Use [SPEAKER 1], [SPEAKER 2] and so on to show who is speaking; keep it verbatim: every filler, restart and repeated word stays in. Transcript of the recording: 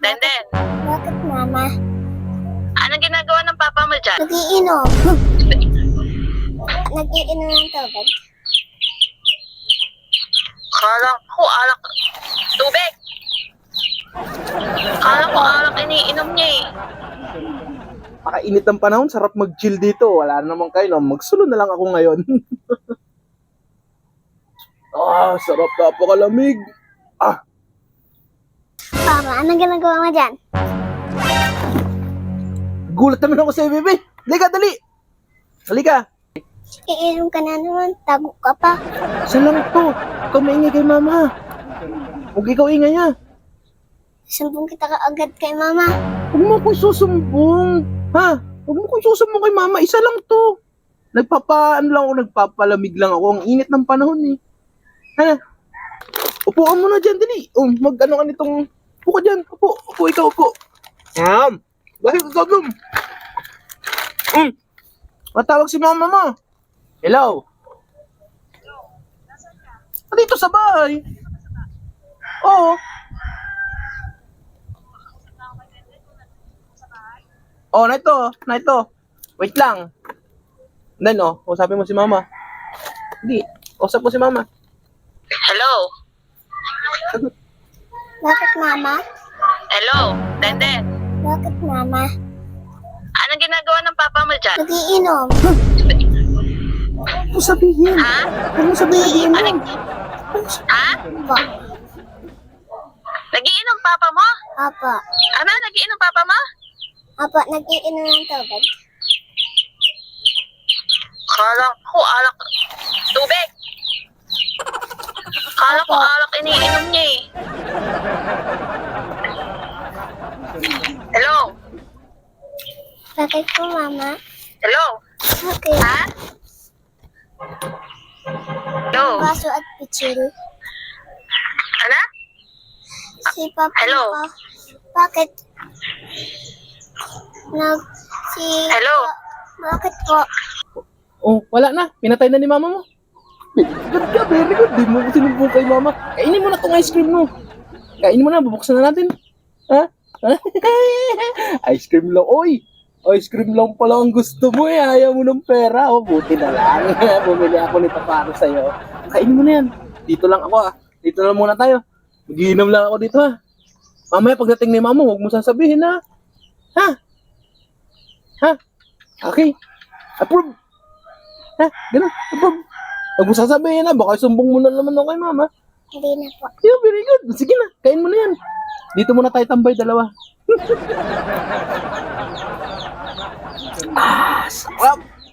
[SPEAKER 1] Denden,
[SPEAKER 2] Bakit, Mama?
[SPEAKER 1] anong ginagawa ng papa mo dyan?
[SPEAKER 2] Nagiinom. Nagiinom ng tubig.
[SPEAKER 1] Kala ko alak. Tubig! Kala ko alak iniinom niya eh.
[SPEAKER 3] Pakainit ng panahon, sarap mag-chill dito. Wala naman kayo, no? Magsulo na lang ako ngayon. Ah, sarap, napakalamig. Ah,
[SPEAKER 2] Papa, anong ginagawa mo dyan?
[SPEAKER 3] gulat naman ako sa'yo, bebe. Halika, dali. Halika.
[SPEAKER 2] Iinom ka na naman. Tago ka pa.
[SPEAKER 3] Isa lang to. Ikaw maingay kay mama. Huwag ikaw ingay ha.
[SPEAKER 2] Sumbong kita ka agad kay Mama.
[SPEAKER 3] Huwag mo akong susumbong. Ha? Huwag mo akong susumbong kay mama. Isa lang to. Nagpapa, ano lang ako, nagpapalamig lang ako. Ang init ng panahon eh. Ha? Upuan mo na dyan, dali. Um, mag ano ka nitong, upo ka dyan. Upo, upo, ikaw, upo. Yan. Bakit ka gagawin? Um, matawag si mama mo. Hello? Ah, dito sa bahay. Oo. Oh, na ito, na ito. Wait lang. Then, oh, usapin mo si mama. Hindi, usap mo si mama.
[SPEAKER 1] Hello?
[SPEAKER 2] Bakit, Mama?
[SPEAKER 1] Hello? Denden,
[SPEAKER 2] Bakit, Mama?
[SPEAKER 1] anong ginagawa ng papa mo dyan?
[SPEAKER 2] Nagiinom.
[SPEAKER 3] Huwag mo sabihin.
[SPEAKER 1] Ha?
[SPEAKER 3] Huwag mo sabihin.
[SPEAKER 1] Ano? Ha?
[SPEAKER 2] Opo.
[SPEAKER 1] Nagiinom papa mo?
[SPEAKER 2] Opo.
[SPEAKER 1] Ano? Nagiinom papa mo?
[SPEAKER 2] Opo, nagiinom ng tubig.
[SPEAKER 1] Kala ko alak. Tubig! Kala ko alak iniinom niya eh. Hello?
[SPEAKER 2] Bakit po, Mama?
[SPEAKER 1] Hello?
[SPEAKER 2] Bakit?
[SPEAKER 1] Ha? Hello?
[SPEAKER 2] Baso at pichil.
[SPEAKER 1] Ano?
[SPEAKER 2] Si Papa
[SPEAKER 1] Hello?
[SPEAKER 2] ko. Bakit? Nag... Si...
[SPEAKER 1] Hello?
[SPEAKER 2] Bakit po?
[SPEAKER 3] Oh, wala na. Pinatay na ni mama mo. Very good ka, very good. Di mo sinumbong kay mama. Kainin mo na tong ice cream mo. Kainin mo na, bubuksan na natin. Ha? Ice cream lang. Oy! Ice cream lang pala ang gusto mo eh. Ayaw mo ng pera. Oh, buti na lang. Bumili ako nito para sa'yo. Kainin mo na yan. Dito lang ako ah. Dito lang muna tayo. Mag-iinom lang ako dito ha. Mamaya pagdating ni mama, huwag mo sasabihin ha. Ha? Ha? Okay. Approve. Ha? Ganun. Approve. Huwag mo sasabihin ha. Baka sumbong mo na naman ako kay mama.
[SPEAKER 2] Hindi na po.
[SPEAKER 3] Yeah, very good. Sige na. Kain mo na yan. Dito muna tayo tambay dalawa. Ah, sarap.